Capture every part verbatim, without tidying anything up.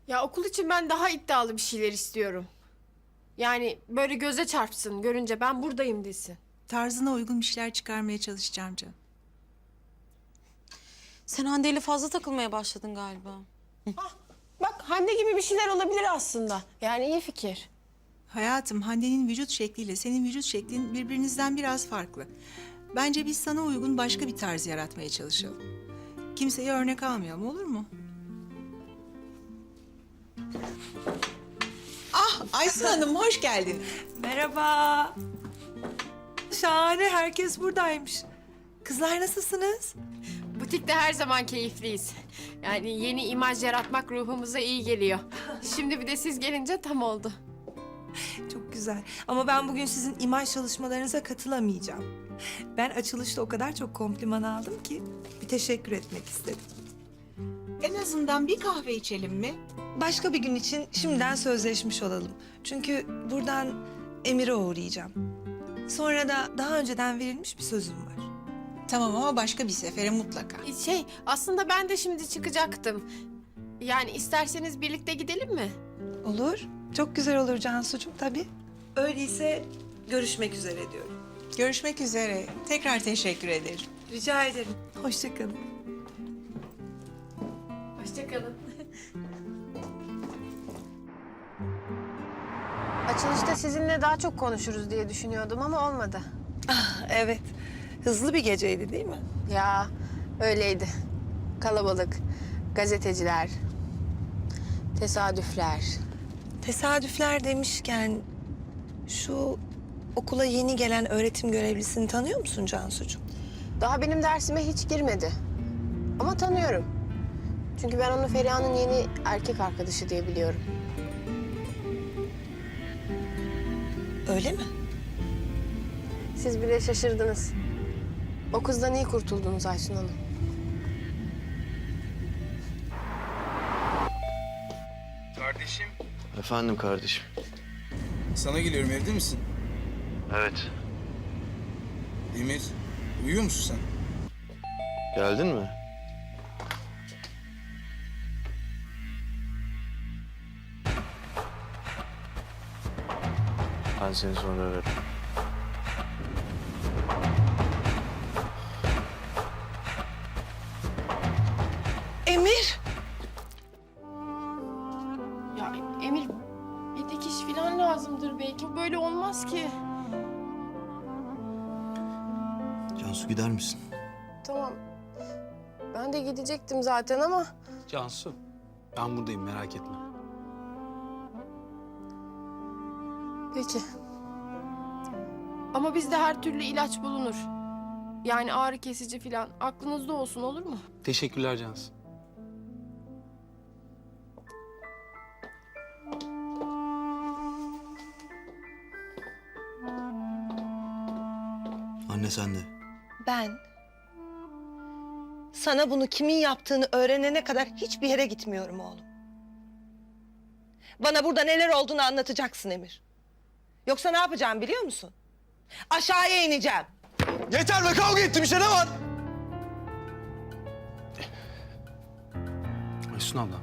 Ya okul için ben daha iddialı bir şeyler istiyorum. Yani böyle göze çarpsın, görünce ben buradayım desin. Tarzına uygun bir şeyler çıkarmaya çalışacağım canım. Sen Hande ile fazla takılmaya başladın galiba. Ah, bak Hande gibi bir şeyler olabilir aslında. Yani iyi fikir. Hayatım, Hande'nin vücut şekliyle senin vücut şeklin birbirinizden biraz farklı. Bence biz sana uygun başka bir tarz yaratmaya çalışalım. Kimseye örnek almayalım, olur mu? Ah, Aysun Hanım hoş geldin. Merhaba. Şahane, herkes buradaymış. Kızlar nasılsınız? Butikte her zaman keyifliyiz. Yani yeni imaj yaratmak ruhumuza iyi geliyor. Şimdi bir de siz gelince tam oldu. Çok güzel. Ama ben bugün sizin imaj çalışmalarınıza katılamayacağım. Ben açılışta o kadar çok kompliman aldım ki bir teşekkür etmek istedim. En azından bir kahve içelim mi? Başka bir gün için şimdiden sözleşmiş olalım. Çünkü buradan Emir'e uğrayacağım. Sonra da daha önceden verilmiş bir sözüm var. Tamam ama başka bir sefere mutlaka. Şey, aslında ben de şimdi çıkacaktım. Yani isterseniz birlikte gidelim mi? Olur. Çok güzel olur Cansucuğum tabii. Öyleyse görüşmek üzere diyorum. Görüşmek üzere. Tekrar teşekkür ederim. Rica ederim. Hoşça kalın. Hoşçakalın. Açılışta sizinle daha çok konuşuruz diye düşünüyordum ama olmadı. Evet. Hızlı bir geceydi değil mi? Ya öyleydi. Kalabalık, gazeteciler, tesadüfler. Tesadüfler demişken şu okula yeni gelen öğretim görevlisini tanıyor musun Cansucuğum? Daha benim dersime hiç girmedi. Ama tanıyorum. Çünkü ben onu Feriha'nın yeni erkek arkadaşı diye biliyorum. Öyle mi? Siz bile şaşırdınız. O kızdan iyi kurtuldunuz Aysun Hanım. Kardeşim. Efendim kardeşim. Sana geliyorum, evde misin? Evet. Emir, uyuyor musun sen? Geldin mi? Ben seni sonra ararım. Emir! Ya Emir, bir dikiş falan lazımdır belki. Böyle olmaz ki. Cansu gider misin? Tamam. Ben de gidecektim zaten ama... Cansu, ben buradayım, merak etme. Peki. Ama bizde her türlü ilaç bulunur. Yani ağrı kesici falan. Aklınızda olsun, olur mu? Teşekkürler Cansu. Anne sen de. Ben sana bunu kimin yaptığını öğrenene kadar hiçbir yere gitmiyorum oğlum. Bana burada neler olduğunu anlatacaksın Emir. Yoksa ne yapacağım biliyor musun? Aşağıya ineceğim. Yeter be, kavga ettim işte, ne var? Aysun abla.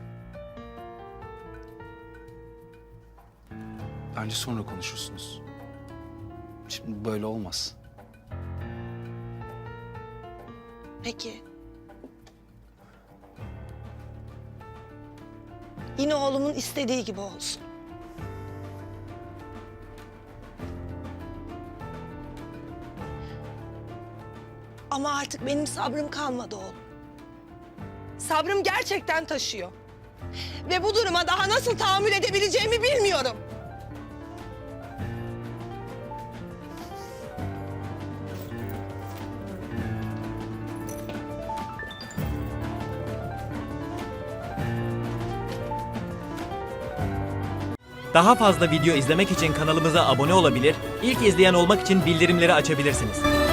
Bence sonra konuşursunuz. Şimdi böyle olmaz. Peki. Yine oğlumun istediği gibi olsun. Ama artık benim sabrım kalmadı oğlum. Sabrım gerçekten taşıyor. Ve bu duruma daha nasıl tahammül edebileceğimi bilmiyorum. Daha fazla video izlemek için kanalımıza abone olabilir, ilk izleyen olmak için bildirimleri açabilirsiniz.